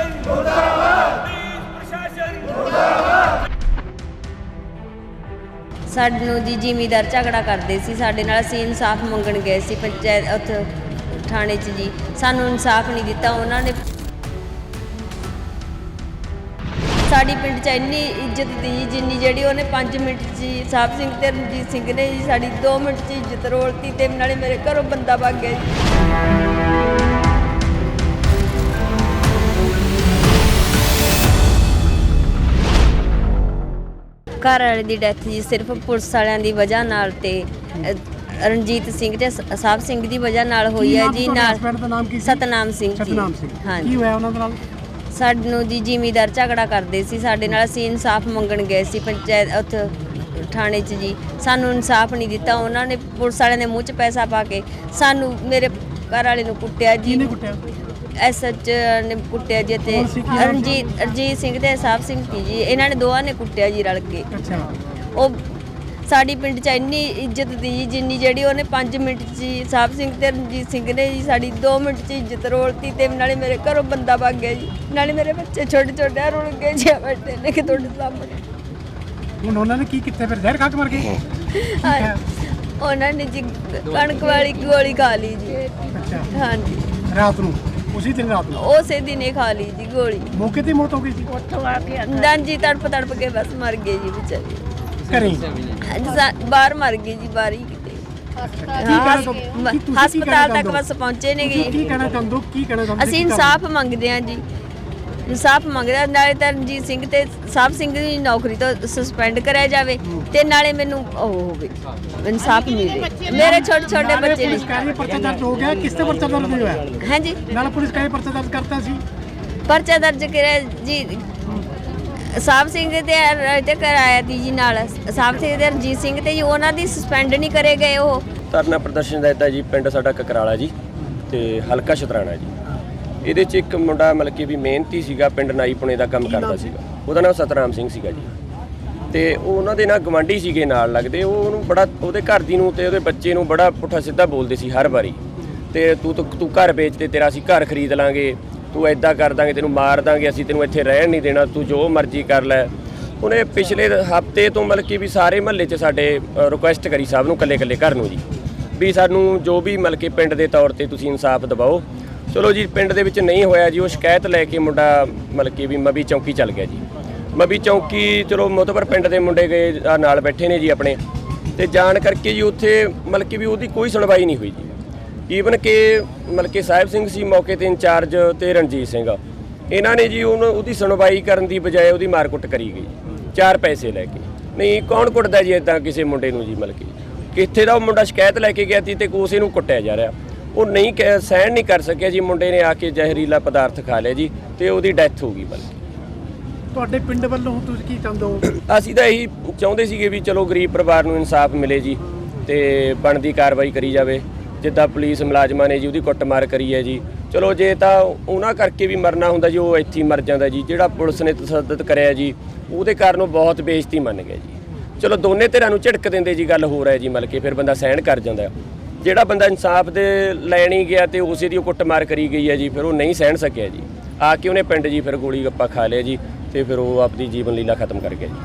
ਸਾਨੂੰ ਜੀ ਜ਼ਿਮੀਂਦਾਰ ਝਗੜਾ ਕਰਦੇ ਸੀ ਸਾਡੇ ਨਾਲ। ਅਸੀਂ ਇਨਸਾਫ ਮੰਗਣ ਗਏ ਸੀ ਪੰਚਾਇਤ ਉੱਥੇ ਥਾਣੇ 'ਚ ਜੀ। ਸਾਨੂੰ ਇਨਸਾਫ ਨਹੀਂ ਦਿੱਤਾ ਉਹਨਾਂ ਨੇ। ਸਾਡੀ ਪਿੰਡ 'ਚ ਇੰਨੀ ਇੱਜ਼ਤ ਦੀ ਜਿੰਨੀ ਜਿਹੜੀ ਉਹਨੇ 5 ਮਿੰਟ 'ਚ ਜੀ ਸਾਹਿਬ ਸਿੰਘ ਤੇ ਰਣਜੀਤ ਸਿੰਘ ਨੇ ਜੀ ਸਾਡੀ 2 ਮਿੰਟ 'ਚ ਇੱਜ਼ਤ ਰੋਲਤੀ ਤੇ ਨਾਲੇ ਮੇਰੇ ਘਰੋਂ ਬੰਦਾ ਭੱਜ ਗਿਆ ਜੀ। ਘਰ ਵਾਲੇ ਦੀ ਡੈਥ ਜੀ ਸਿਰਫ ਪੁਲਿਸ ਵਾਲਿਆਂ ਦੀ ਵਜ੍ਹਾ ਨਾਲ ਤੇ ਰਣਜੀਤ ਸਿੰਘ ਤੇ ਸਾਹਿਬ ਸਿੰਘ ਦੀ ਵਜ੍ਹਾ ਨਾਲ ਹੋਈ ਹੈ ਜੀ। ਨਾਲ ਸਤਨਾਮ ਸਿੰਘ ਜੀ। ਹਾਂਜੀ, ਕੀ ਹੋਇਆ ਉਹਨਾਂ ਦੇ ਨਾਲ? ਸਾਨੂੰ ਜੀ ਜ਼ਿਮੀਂਦਾਰ ਝਗੜਾ ਕਰਦੇ ਸੀ ਸਾਡੇ ਨਾਲ। ਅਸੀਂ ਇਨਸਾਫ ਮੰਗਣ ਗਏ ਸੀ ਪੰਚਾਇਤ ਉੱਥੇ ਥਾਣੇ 'ਚ ਜੀ। ਸਾਨੂੰ ਇਨਸਾਫ ਨਹੀਂ ਦਿੱਤਾ ਉਹਨਾਂ ਨੇ। ਪੁਲਿਸ ਵਾਲਿਆਂ ਦੇ ਮੂੰਹ 'ਚ ਪੈਸਾ ਪਾ ਕੇ ਸਾਨੂੰ ਮੇਰੇ ਘਰ ਵਾਲੇ ਨੂੰ ਕੁੱਟਿਆ ਜੀ। ਐਸਐਚ ਨੇ ਕੁੱਟਿਆ ਜੀ ਤੇ ਰਣਜੀਤ ਸਿੰਘ ਤੇ ਸਾਹਿਬ ਸਿੰਘ ਜੀ ਇਹਨਾਂ ਨੇ ਦੋਵਾਂ ਨੇ ਕੁੱਟਿਆ ਜੀ ਰਲ ਕੇ। ਉਹ ਸਾਡੀ ਪਿੰਡ 'ਚ ਇੰਨੀ ਇੱਜ਼ਤ ਦੀ ਜਿੰਨੀ ਜਿਹੜੀ ਉਹਨੇ 5 ਮਿੰਟ 'ਚ ਜੀ ਸਾਹਿਬ ਸਿੰਘ ਤੇ ਰਣਜੀਤ ਸਿੰਘ ਨੇ ਜੀ ਸਾਡੀ 2 ਮਿੰਟ 'ਚ ਇੱਜ਼ਤ ਰੋਲਤੀ ਤੇ ਨਾਲੇ ਮੇਰੇ ਘਰੋਂ ਬੰਦਾ ਭੱਜ ਗਿਆ ਜੀ। ਨਾਲੇ ਮੇਰੇ ਬੱਚੇ ਛੋਟੇ ਛੋਟੇ ਰੁਲ ਗਏ ਜੀ ਬੈਠੇ ਨੇ ਕਿ ਤੁਹਾਡੇ ਸਾਹਮਣੇ। ਹੁਣ ਉਹਨਾਂ ਨੇ ਕੀ ਕੀਤਾ ਫਿਰ? ਜ਼ਹਿਰ ਖਾ ਕੇ ਮਰ ਗਏ? ਉਹਨਾਂ ਨੇ ਜੀ ਕਣਕ ਵਾਲੀ ਗੋਲੀ ਖਾ ਲਈ ਜੀ। ਹਾਂਜੀ, ਰਾਤ ਨੂੰ? ਉਸੇ ਦਿਨ ਰਾਤ ਨੂੰ? ਉਸੇ ਦਿਨ ਹੀ ਖਾ ਲਈ ਜੀ ਗੋਲੀ। ਮੌਕੇ ਤੇ ਮੌਤ ਹੋ ਗਈ ਸੀ? ਜੀ ਤੜਪ ਕੇ ਬਸ ਮਰ ਗਏ ਜੀ ਵਿਚਾਰੇ। ਘਰੇ ਬਾਹਰ ਮਰ ਗਏ ਜੀ, ਬਾਹਰ ਹੀ ਕਿਤੇ। ਹਸਪਤਾਲ ਤੱਕ ਬਸ ਪਹੁੰਚੇ ਨੇ ਜੀ। ਕੀ ਕਹਿਣਾ ਚਾਹੁੰਦੇ ਹੋ? ਕੀ ਕਹਿਣਾ ਚਾਹੁੰਦੇ? ਅਸੀਂ ਇਨਸਾਫ ਮੰਗਦੇ ਹਾਂ ਜੀ। ਇਨਸਾਫ ਮੰਗਦਾ ਨਾਲੇ ਤਾਂ ਰਣਜੀਤ ਸਿੰਘ ਤੇ ਸਾਹਿਬ ਸਿੰਘ ਦੀ ਨੌਕਰੀ ਤੋਂ ਸਸਪੈਂਡ ਕਰਿਆ ਜਾਵੇ ਤੇ ਨਾਲੇ ਮੈਨੂੰ ਉਹ ਹੋਵੇ ਇਨਸਾਫ ਮਿਲੇ। ਮੇਰੇ ਛੋਟੇ ਛੋਟੇ ਬੱਚੇ ਨੇ। ਪਰਚਾ ਦਰਜ ਹੋ ਗਿਆ? ਕਿਸ ਤੇ ਪਰਚਾ ਦਰਜ ਹੋਇਆ? ਹਾਂਜੀ, ਨਾਲ ਪੁਲਿਸ ਕਹੇ ਪਰਚਾ ਦਰਜ ਕਰਤਾ ਸੀ? ਪਰਚਾ ਦਰਜ ਕਰਿਆ ਜੀ ਸਾਹਿਬ ਸਿੰਘ ਤੇ ਕਰਾਇਆ ਤੀ ਜੀ। ਨਾਲ ਸਾਹਿਬ ਸਿੰਘ ਤੇ ਰਣਜੀਤ ਸਿੰਘ ਤੇ ਜੀ ਉਹਨਾਂ ਦੀ ਸਸਪੈਂਡ ਨਹੀਂ ਕਰੇ ਗਏ। ਉਹ ਧਰਨਾ ਪ੍ਰਦਰਸ਼ਨ ਦਿੱਤਾ ਜੀ। ਪਿੰਡ ਸਾਡਾ ਕਕਰਾਲਾ ਜੀ ਤੇ ਹਲਕਾ ਸ਼ਤਰਾਣਾ ਜੀ। ਇਹਦੇ 'ਚ ਇੱਕ ਮੁੰਡਾ ਮਤਲਬ ਕਿ ਵੀ ਮਿਹਨਤੀ ਸੀਗਾ, ਪਿੰਡ ਨਾਈਪੁਣੇ ਦਾ ਕੰਮ ਕਰਦਾ ਸੀਗਾ। ਉਹਦਾ ਨਾਮ ਸਤਨਾਮ ਸਿੰਘ ਸੀਗਾ ਜੀ। ਤੇ ਉਹ ਉਹਨਾਂ ਦੇ ਨਾਲ ਗਵਾਂਢੀ ਸੀਗੇ ਨਾਲ ਲੱਗਦੇ। ਉਹ ਉਹਨੂੰ ਬੜਾ ਉਹਦੇ ਘਰ ਦੀ ਨੂੰ ਤੇ ਉਹਦੇ ਬੱਚੇ ਨੂੰ ਬੜਾ ਪੁੱਠਾ ਸਿੱਧਾ ਬੋਲਦੇ ਸੀ ਹਰ ਵਾਰੀ। ਤੇ ਤੂੰ ਘਰ ਵੇਚ ਤੇ ਤੇਰਾ ਅਸੀਂ ਘਰ ਖਰੀਦ ਲਾਂਗੇ, ਤੂੰ ਐਦਾਂ ਕਰ ਦਾਂਗੇ, ਤੈਨੂੰ ਮਾਰ ਦਾਂਗੇ, ਅਸੀਂ ਤੈਨੂੰ ਇੱਥੇ ਰਹਿਣ ਨਹੀਂ ਦੇਣਾ, ਤੂੰ ਜੋ ਮਰਜ਼ੀ ਕਰ ਲੈ। ਉਹਨੇ ਪਿਛਲੇ ਹਫ਼ਤੇ ਤੋਂ ਮਤਲਬ ਕਿ ਵੀ ਸਾਰੇ ਮਹੱਲੇ 'ਚ ਸਾਡੇ ਰਿਕੁਐਸਟ ਕਰੀ ਸਾਹਿਬ ਨੂੰ ਇਕੱਲੇ ਘਰ ਨੂੰ ਜੀ ਵੀ ਸਾਨੂੰ ਜੋ ਵੀ ਮਤਲਬ ਕਿ ਪਿੰਡ ਦੇ ਤੌਰ 'ਤੇ ਤੁਸੀਂ ਇਨਸਾਫ ਦਿਵਾਓ। ਚਲੋ ਜੀ, ਪਿੰਡ ਦੇ ਵਿੱਚ ਨਹੀਂ ਹੋਇਆ ਜੀ। ਉਹ ਸ਼ਿਕਾਇਤ ਲੈ ਕੇ ਮੁੰਡਾ ਮਤਲਬ ਕਿ ਵੀ ਮਵੀ ਚੌਂਕੀ ਚੱਲ ਗਿਆ ਜੀ। ਮਵੀ ਚੌਂਕੀ ਚਲੋ ਮੁਤਬਰ ਪਿੰਡ ਦੇ ਮੁੰਡੇ ਗਏ ਨਾਲ ਬੈਠੇ ਨੇ ਜੀ ਆਪਣੇ, ਤੇ ਜਾਣ ਕਰਕੇ ਜੀ ਉੱਥੇ ਮਤਲਬ ਕਿ ਵੀ ਉਹਦੀ ਕੋਈ ਸੁਣਵਾਈ ਨਹੀਂ ਹੋਈ ਜੀ। ਈਵਨ ਕਿ ਮਤਲਬ ਕਿ ਸਾਹਿਬ ਸਿੰਘ ਸੀ ਮੌਕੇ 'ਤੇ ਇੰਚਾਰਜ ਤੇ ਰਣਜੀਤ ਸਿੰਘ, ਇਹਨਾਂ ਨੇ ਜੀ ਉਹਦੀ ਸੁਣਵਾਈ ਕਰਨ ਦੀ ਬਜਾਏ ਉਹਦੀ ਮਾਰਕੁੱਟ ਕਰੀ ਗਈ 4 ਪੈਸੇ ਲੈ ਕੇ। ਨਹੀਂ, ਕੌਣ ਕੁੱਟਦਾ ਜੀ ਇੱਦਾਂ ਕਿਸੇ ਮੁੰਡੇ ਨੂੰ ਜੀ? ਮਤਲਬ ਕਿ ਕਿੱਥੇ ਦਾ ਉਹ ਮੁੰਡਾ ਸ਼ਿਕਾਇਤ ਲੈ ਕੇ ਗਿਆ ਸੀ ਤੇ ਉਸੇ ਨੂੰ ਕੁੱਟਿਆ ਜਾ ਰਿਹਾ। ਉਹ ਨਹੀਂ ਸਹਿਣ ਨਹੀਂ ਕਰ ਸਕਿਆ ਜੀ। ਮੁੰਡੇ ਨੇ ਆ ਕੇ ਜ਼ਹਿਰੀਲਾ ਪਦਾਰਥ ਖਾ ਲਿਆ ਜੀ ਤੇ ਉਹਦੀ ਡੈਥ ਹੋ ਗਈ। ਬਲਕਿ ਤੁਹਾਡੇ ਪਿੰਡ ਵੱਲੋਂ ਤੁਸੀਂ ਕੀ ਚਾਹੁੰਦੇ ਹੋ? ਅਸੀਂ ਤਾਂ ਇਹੀ ਚਾਹੁੰਦੇ ਸੀਗੇ ਵੀ ਚਲੋ ਗਰੀਬ ਪਰਿਵਾਰ ਨੂੰ ਇਨਸਾਫ ਮਿਲੇ ਜੀ ਤੇ ਬਣਦੀ ਕਾਰਵਾਈ ਕਰੀ ਜਾਵੇ। ਜਿੱਦਾਂ ਪੁਲਿਸ ਮੁਲਾਜ਼ਮਾਂ ਨੇ ਜੀ ਉਹਦੀ ਕੁੱਟਮਾਰ ਕਰੀ ਹੈ ਜੀ। ਚਲੋ ਜੇ ਤਾਂ ਉਹਨਾਂ ਕਰਕੇ ਵੀ ਮਰਨਾ ਹੁੰਦਾ ਜੀ, ਉਹ ਇੱਥੇ ਹੀ ਮਰ ਜਾਂਦਾ ਜੀ। ਜਿਹੜਾ ਪੁਲਿਸ ਨੇ ਤਸ਼ੱਦਦ ਕਰਿਆ ਜੀ ਉਹਦੇ ਕਾਰਨ ਉਹ ਬਹੁਤ ਬੇਇੱਜ਼ਤੀ ਮੰਨ ਗਿਆ ਜੀ। ਚਲੋ ਦੋਨੇ ਧਿਰਾਂ ਨੂੰ ਝਿੜਕ ਦਿੰਦੇ ਜੀ, ਗੱਲ ਹੋ ਰਿਹਾ ਜੀ। ਮਤਲਬ ਕਿ ਫਿਰ ਬੰਦਾ ਸਹਿਣ ਕਰ ਜਾਂਦਾ। ਜਿਹੜਾ ਬੰਦਾ ਇਨਸਾਫ ਦੇ ਲੈਣ ਹੀ ਗਿਆ ਤੇ ਉਸੇ ਦੀ ਉਹ ਕੁੱਟਮਾਰ ਕਰੀ ਗਈ ਹੈ ਜੀ, ਫਿਰ ਉਹ ਨਹੀਂ ਸਹਿਣ ਸਕਿਆ ਜੀ। ਆ ਕੇ ਉਹਨੇ ਪਿੰਡ ਜੀ ਫਿਰ ਗੋਲੀ ਗੱਪਾ ਖਾ ਲਿਆ ਜੀ ਤੇ ਫਿਰ ਉਹ ਆਪਣੀ ਜੀਵਨ ਲੀਲਾ ਖਤਮ ਕਰ ਗਿਆ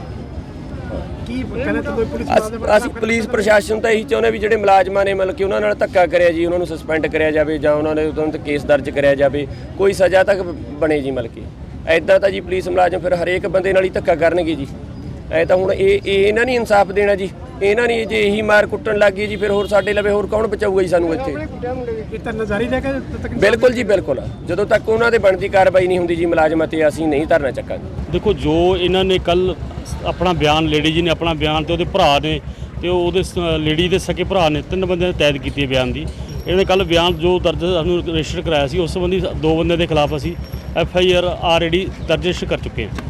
ਜੀ। ਕੀ ਕਹਿਣਾ ਚਾਹੁੰਦੇ ਪੁਲਿਸ? ਅਸੀਂ ਪੁਲਿਸ ਪ੍ਰਸ਼ਾਸਨ ਤਾਂ ਇਹੀ ਚਾਹੁੰਦੇ ਵੀ ਜਿਹੜੇ ਮੁਲਾਜ਼ਮਾਂ ਨੇ ਮਤਲਬ ਕਿ ਉਹਨਾਂ ਨਾਲ ਧੱਕਾ ਕਰਿਆ ਜੀ, ਉਹਨਾਂ ਨੂੰ ਸਸਪੈਂਡ ਕਰਿਆ ਜਾਵੇ ਜਾਂ ਉਹਨਾਂ ਨੇ ਉਹਨਾਂ 'ਤੇ ਕੇਸ ਦਰਜ ਕਰਿਆ ਜਾਵੇ, ਕੋਈ ਸਜ਼ਾ ਤੱਕ ਬਣੇ ਜੀ। ਮਤਲਬ ਕਿ ਐਦਾਂ ਤਾਂ ਜੀ ਪੁਲਿਸ ਮੁਲਾਜ਼ਮ ਫਿਰ ਹਰੇਕ ਬੰਦੇ ਨਾਲ ਹੀ ਧੱਕਾ ਕਰਨਗੇ ਜੀ। ਐ ਤਾਂ ਹੁਣ ਇਹਨਾਂ ਨੇ ਇਨਸਾਫ ਦੇਣਾ ਜੀ। ਇਹਨਾਂ ਨੇ ਜੇ ਇਹੀ ਮਾਰ ਕੁੱਟਣ ਲੱਗ ਗਈ ਜੀ ਫਿਰ ਹੋਰ ਸਾਡੇ ਲਵੇ ਹੋਰ ਕੌਣ ਬਚਾਊਗਾ ਜੀ ਸਾਨੂੰ ਇੱਥੇ? ਇਹ ਤਾਂ ਨਜ਼ਾਰੀ ਲੈ ਕੇ ਬਿਲਕੁਲ ਜੀ, ਬਿਲਕੁਲ। ਜਦੋਂ ਤੱਕ ਉਹਨਾਂ ਦੇ ਬਣਦੀ ਕਾਰਵਾਈ ਨਹੀਂ ਹੁੰਦੀ ਜੀ ਮੁਲਾਜ਼ਮਾਂ ਤੇ, ਅਸੀਂ ਨਹੀਂ ਧਰਨਾ ਚੱਕਾਂਗੇ। ਦੇਖੋ, ਜੋ ਇਹਨਾਂ ਨੇ ਕੱਲ ਆਪਣਾ ਬਿਆਨ, ਲੇਡੀ ਜੀ ਨੇ ਆਪਣਾ ਬਿਆਨ ਤੇ ਉਹਦੇ ਭਰਾ ਨੇ ਤੇ ਉਹਦੇ ਲੇਡੀ ਦੇ ਸਕੇ ਭਰਾ ਨੇ 3 ਬੰਦਿਆਂ ਨੇ ਤੈਦ ਕੀਤੀ ਹੈ ਬਿਆਨ ਦੀ। ਇਹਨਾਂ ਨੇ ਕੱਲ ਬਿਆਨ ਜੋ ਦਰਜ ਸਾਨੂੰ ਰਜਿਸਟਰ ਕਰਾਇਆ ਸੀ, ਉਸ ਸੰਬੰਧੀ 2 ਬੰਦਿਆਂ ਦੇ ਖਿਲਾਫ ਅਸੀਂ FIR ਆਲਰੇਡੀ ਦਰਜ ਕਰ ਚੁੱਕੇ ਹਾਂ।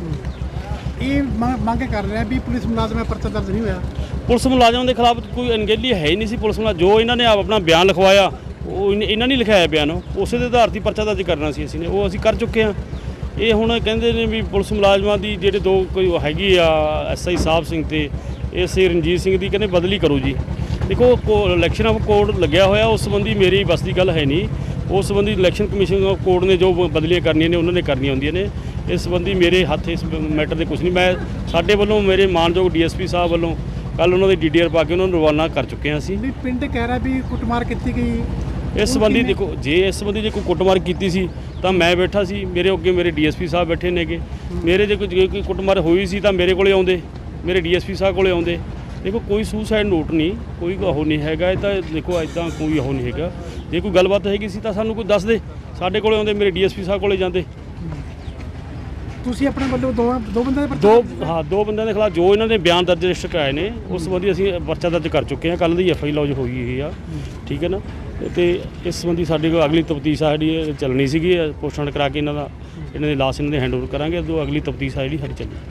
ਇਹ ਮੰਗ ਕਰ ਰਿਹਾ ਵੀ ਪੁਲਿਸ ਮੁਲਾਜ਼ਮਾਂ ਪਰਚਾ ਦਰਜ ਨਹੀਂ ਹੋਇਆ। ਪੁਲਿਸ ਮੁਲਾਜ਼ਮਾਂ ਦੇ ਖਿਲਾਫ ਕੋਈ ਅਣਗਹਿਲੀ ਹੈ ਹੀ ਨਹੀਂ ਸੀ। ਪੁਲਿਸ ਮੁਲਾਜ਼ਮ ਜੋ ਇਹਨਾਂ ਨੇ ਆਪਣਾ ਬਿਆਨ ਲਿਖਵਾਇਆ, ਉਹ ਇਹਨਾਂ ਨੇ ਲਿਖਾਇਆ ਬਿਆਨ, ਉਸੇ ਦੇ ਆਧਾਰ 'ਤੇ ਪਰਚਾ ਦਰਜ ਕਰਨਾ ਸੀ ਅਸੀਂ ਨੇ, ਉਹ ਅਸੀਂ ਕਰ ਚੁੱਕੇ ਹਾਂ। ਇਹ ਹੁਣ ਕਹਿੰਦੇ ਨੇ ਵੀ ਪੁਲਿਸ ਮੁਲਾਜ਼ਮਾਂ ਦੀ ਜਿਹੜੇ 2 ਕੋਈ ਹੈਗੀ ਆ SI ਸਾਹਿਬ ਸਿੰਘ ਤੇ SI ਰਣਜੀਤ ਸਿੰਘ ਦੀ ਕਹਿੰਦੇ ਬਦਲੀ ਕਰੋ ਜੀ। ਦੇਖੋ, ਇਲੈਕਸ਼ਨ ਆਫ ਕੋਡ ਲੱਗਿਆ ਹੋਇਆ, ਉਸ ਸੰਬੰਧੀ ਮੇਰੀ ਬਸ ਦੀ ਗੱਲ ਹੈ ਨਹੀਂ। ਉਸ ਸੰਬੰਧੀ ਇਲੈਕਸ਼ਨ ਕਮਿਸ਼ਨ ਕੋਡ ਨੇ ਜੋ ਬਦਲੀਆਂ ਕਰਨੀਆਂ ਨੇ ਉਹਨਾਂ ਨੇ ਕਰਨੀਆਂ ਹੁੰਦੀਆਂ ਨੇ। ਇਸ ਸੰਬੰਧੀ ਮੇਰੇ ਹੱਥ ਇਸ ਮੈਟਰ ਦੇ ਕੁਝ ਨਹੀਂ। ਮੈਂ ਸਾਡੇ ਵੱਲੋਂ ਮੇਰੇ ਮਾਨਯੋਗ ਡੀਐਸਪੀ ਸਾਹਿਬ ਵੱਲੋਂ ਕੱਲ ਉਹਨਾਂ ਦੇ ਡੀਡੀਆਰ ਪਾ ਕੇ ਉਹਨਾਂ ਨੂੰ ਰਵਾਨਾ ਕਰ ਚੁੱਕੇ ਹਾਂ ਅਸੀਂ। ਨਹੀਂ ਪਿੰਡ ਕਹਿ ਰਿਹਾ ਵੀ ਕੁੱਟਮਾਰ ਕੀਤੀ ਗਈ। ਇਸ ਸੰਬੰਧੀ ਦੇਖੋ, ਜੇ ਇਸ ਸੰਬੰਧੀ ਜੇ ਕੋਈ ਕੁੱਟਮਾਰ ਕੀਤੀ ਸੀ ਤਾਂ ਮੈਂ ਬੈਠਾ ਸੀ, ਮੇਰੇ ਅੱਗੇ ਮੇਰੇ ਡੀਐਸਪੀ ਸਾਹਿਬ ਬੈਠੇ ਨੇਗੇ। ਮੇਰੇ ਜੇ ਕੋਈ ਕੁੱਟਮਾਰ ਹੋਈ ਸੀ ਤਾਂ ਮੇਰੇ ਕੋਲੇ ਆਉਂਦੇ, ਮੇਰੇ ਡੀਐਸਪੀ ਸਾਹਿਬ ਕੋਲੇ ਆਉਂਦੇ। ਦੇਖੋ ਕੋਈ ਸੁਸਾਈਡ ਨੋਟ ਨਹੀਂ, ਕੋਈ ਉਹ ਨਹੀਂ ਹੈਗਾ। ਇਹ ਤਾਂ ਦੇਖੋ ਇੱਦਾਂ ਕੋਈ ਉਹ ਨਹੀਂ ਹੈਗਾ। ਜੇ ਕੋਈ ਗੱਲਬਾਤ ਹੈਗੀ ਸੀ ਤਾਂ ਸਾਨੂੰ ਕੋਈ ਦੱਸ ਦੇ, ਸਾਡੇ ਕੋਲੇ ਆਉਂਦੇ, ਮੇਰੇ ਡੀਐਸਪੀ ਸਾਹਿਬ ਕੋਲੇ ਜਾਂਦੇ। ਤੁਸੀਂ ਆਪਣੇ ਵੱਲੋਂ ਦੋ ਬੰਦਿਆਂ ਦੇ ਦੋ ਬੰਦਿਆਂ ਦੇ ਖਿਲਾਫ ਜੋ ਇਹਨਾਂ ਨੇ ਬਿਆਨ ਦਰਜ ਰਜਿਸਟਰ ਕਰਾਏ ਨੇ ਉਸ ਸੰਬੰਧੀ ਅਸੀਂ ਪਰਚਾ ਦਰਜ ਕਰ ਚੁੱਕੇ ਹਾਂ। ਕੱਲ੍ਹ ਦੀ ਐਫਆਈ ਲੌਜ ਹੋਈ ਹੋਈ ਆ, ਠੀਕ ਹੈ ਨਾ। ਤੇ ਇਸ ਸੰਬੰਧੀ ਸਾਡੇ ਕੋਲ ਅਗਲੀ ਤਫਤੀਸ਼ ਆ ਜਿਹੜੀ ਚੱਲਣੀ ਸੀਗੀ, ਪੋਸਟਮਾਰਟਮ ਕਰਾ ਕੇ ਇਹਨਾਂ ਦੀ ਲਾਸ਼ ਇਹਨਾਂ ਦੇ ਹੈਂਡਓਵਰ ਕਰਾਂਗੇ। ਅਗਲੀ ਤਫਤੀਸ਼ ਆ ਜਿਹੜੀ ਸਾਡੀ ਚੱਲਣੀ।